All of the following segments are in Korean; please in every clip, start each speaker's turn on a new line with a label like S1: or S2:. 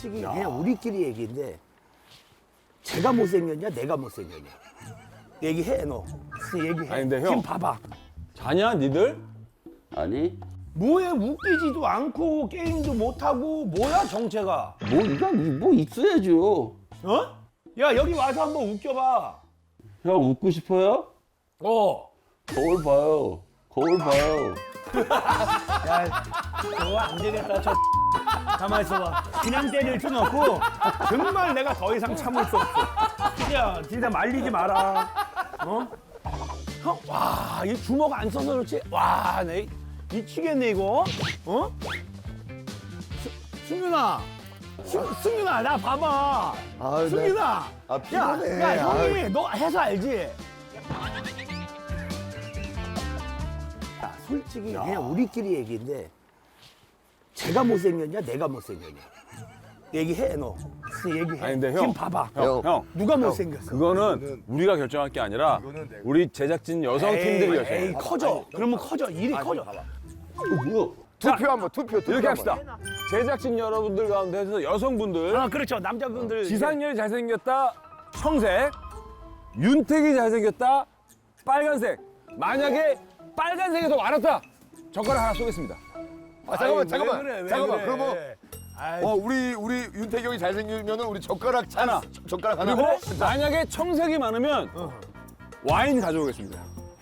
S1: 솔직히 그냥 우리끼리 얘기인데 제가 못생겼냐 내가 못생겼냐 얘기해 너. 얘기해.
S2: 아니, 근데 형.
S1: 지금 봐봐.
S2: 자냐 니들?
S3: 아니
S1: 뭐해 웃기지도 않고 게임도 못하고 뭐야 정체가.
S3: 뭐 이거 뭐 있어야죠.
S1: 어? 야 여기 와서 한번 웃겨봐.
S3: 형 웃고 싶어요?
S1: 어.
S3: 거울 봐요. 거울 봐요.
S1: 야 저거 안 되겠다. 저 가만 있어봐. 그냥 때릴 순 없고 정말 내가 더 이상 참을 수 없어. 진짜 말리지 마라. 어? 형, 와, 이 주먹 안 써서 그렇지. 와, 내 미치겠네 이거. 어? 승윤아, 승윤아, 나 봐봐.
S4: 아유,
S1: 승윤아,
S4: 아, 피곤해.
S1: 야, 형이
S4: 아유.
S1: 너 해서 알지? 야, 솔직히 그냥 우리끼리 얘기인데 제가 못생겼냐, 내가 못생겼냐 얘기해 너. 얘기해.
S2: 아니, 근데 형.
S1: 지금 봐봐.
S2: 형.
S1: 누가 못생겼어?
S2: 그거는 우리가 결정할 게 아니라 우리 제작진 여성팀들이
S1: 에이,
S2: 결정해.
S1: 커져. 그러면 커져. 일이 커져.
S3: 뭐야?
S4: 투표 한번 투표
S2: 이렇게
S4: 한번.
S2: 합시다. 제작진 여러분들 가운데서 여성분들
S1: 아, 그렇죠. 남자분들.
S2: 지상렬이 잘생겼다 청색, 윤택이 잘생겼다 빨간색. 만약에 빨간색이 더 많았다 젓가락 하나 쏘겠습니다.
S4: 아, 잠깐만
S1: 왜
S4: 잠깐만
S1: 그래, 왜
S4: 잠깐만.
S1: 그래.
S4: 그러면
S1: 아이,
S4: 우리 윤태경이 잘생기면은 우리 젓가락
S2: 하나.
S4: 젓가락 하나.
S2: 그리고 만약에 청색이 많으면 와인 가져오겠습니다.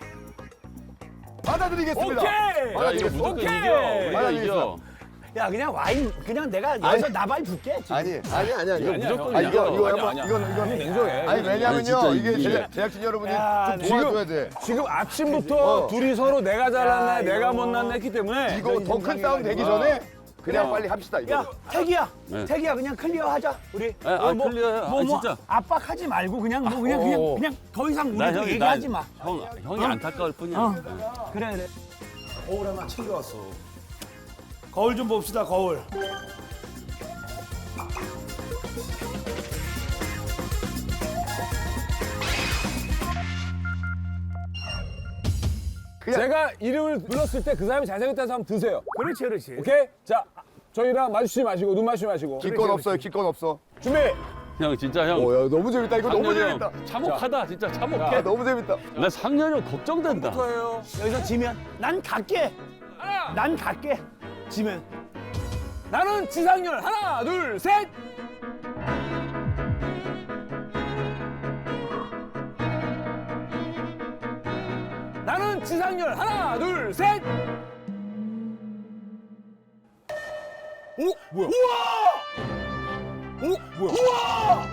S4: 받아드리겠습니다.
S2: 오케이.
S3: 야 이거 무조건
S2: 오케이.
S3: 이겨. 우리가 이겨.
S1: 야, 그냥 와인, 그냥 내가 여기서 나발 줄게. 지금.
S4: 아니.
S3: 이거
S2: 아니야,
S3: 무조건
S4: 아,
S2: 형.
S4: 이거
S3: 이겨.
S4: 한번
S2: 아니야,
S4: 이건
S2: 형이 냉정해.
S4: 아니 왜냐면요
S3: 진짜
S4: 이게
S3: 이겨.
S4: 제작진 여러분이
S1: 야,
S4: 좀 도와줘야 돼.
S2: 지금 아침부터 둘이 서로 내가 잘났네,
S1: 야,
S2: 내가
S1: 이거.
S2: 못났네 했기 때문에
S4: 이거 더 큰 싸움 되기 전에 그냥 빨리 합시다 이거.
S1: 야, 태기야.
S3: 네.
S1: 태기야, 그냥 클리어 하자. 우리.
S3: 클리어해. 아, 진짜.
S1: 압박하지 말고 그냥 뭐 그냥 더 이상
S3: 나
S1: 우리도
S3: 형이
S1: 얘기하지 마.
S3: 형이 안타까울 뿐이야.
S1: 그래, 그래. 거울 하나 챙겨왔어. 거울 좀 봅시다, 거울.
S2: 제가 이름을 불렀을 때 그 사람이 잘생겼다는 사람 드세요.
S1: 그렇지, 그렇지.
S2: 오케이? 자, 저희랑 마주치지 마시고 눈 마주치지 마시고
S4: 기권 없어요. 기권 없어.
S2: 준비!
S3: 형 진짜 형.
S4: 야 너무 재밌다. 이거 너무
S3: 상렬이 형
S4: 재밌다.
S3: 참혹하다 진짜 참혹해.
S4: 아, 너무 재밌다.
S3: 나 상렬이 형 걱정된다.
S2: 저예요.
S1: 여기서 지면 난 갈게. 난 갈게. 지면.
S2: 나는 지상렬. 하나, 둘, 셋! 나는 지상렬. 하나, 둘, 셋! 오, 뭐야? 우와! 오, 뭐야? 우와!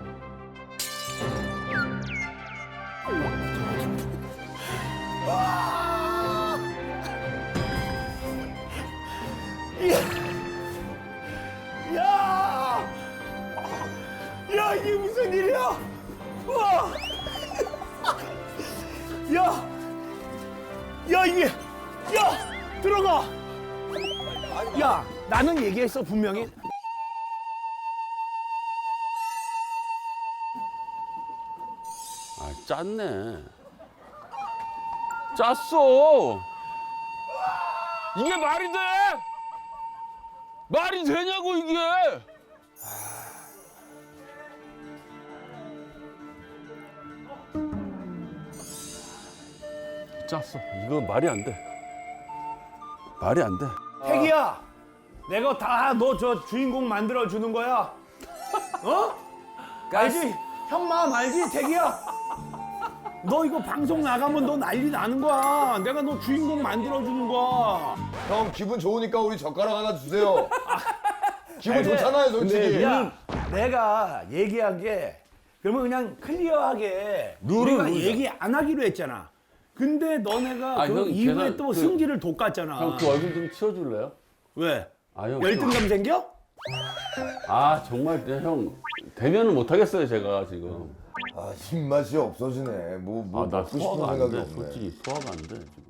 S1: 야! 야, 이게 무슨 일이야? 와! 야! 야, 이게 야! 들어가. 야, 나는 얘기했어, 분명히.
S3: 아 짰네. 짰어. 이게 말이 돼? 말이 되냐고 이게? 짰어. 이거 말이 안 돼. 말이 안 돼.
S1: 태기야, 내가 다 너 저 주인공 만들어 주는 거야. 어? 알지? 형 마음 알지, 태기야? 너 이거 방송 나가면 너 난리 나는 거야. 내가 너 주인공 만들어 주는 거야.
S4: 형 기분 좋으니까 우리 젓가락 하나 주세요. 기분 좋잖아요 솔직히.
S1: 야, 내가 얘기한 게 그러면 그냥 클리어하게 우리가 얘기 안 하기로 했잖아. 근데 너네가
S3: 아,
S1: 그
S3: 형,
S1: 이후에
S3: 걔는
S1: 또
S3: 그-
S1: 승기를 돋갔잖아.
S3: 형 그 얼굴 좀 치워줄래요?
S1: 왜?
S3: 아, 형.
S1: 열등감 생겨?
S3: 아 정말 형 대면을 못 하겠어요 제가 지금.
S4: 아 입맛이 없어지네. 뭐
S3: 아 나
S4: 먹고 싶은
S3: 소화가 안
S4: 생각이
S3: 돼.
S4: 없네.
S3: 솔직히 소화가 안 돼 지금.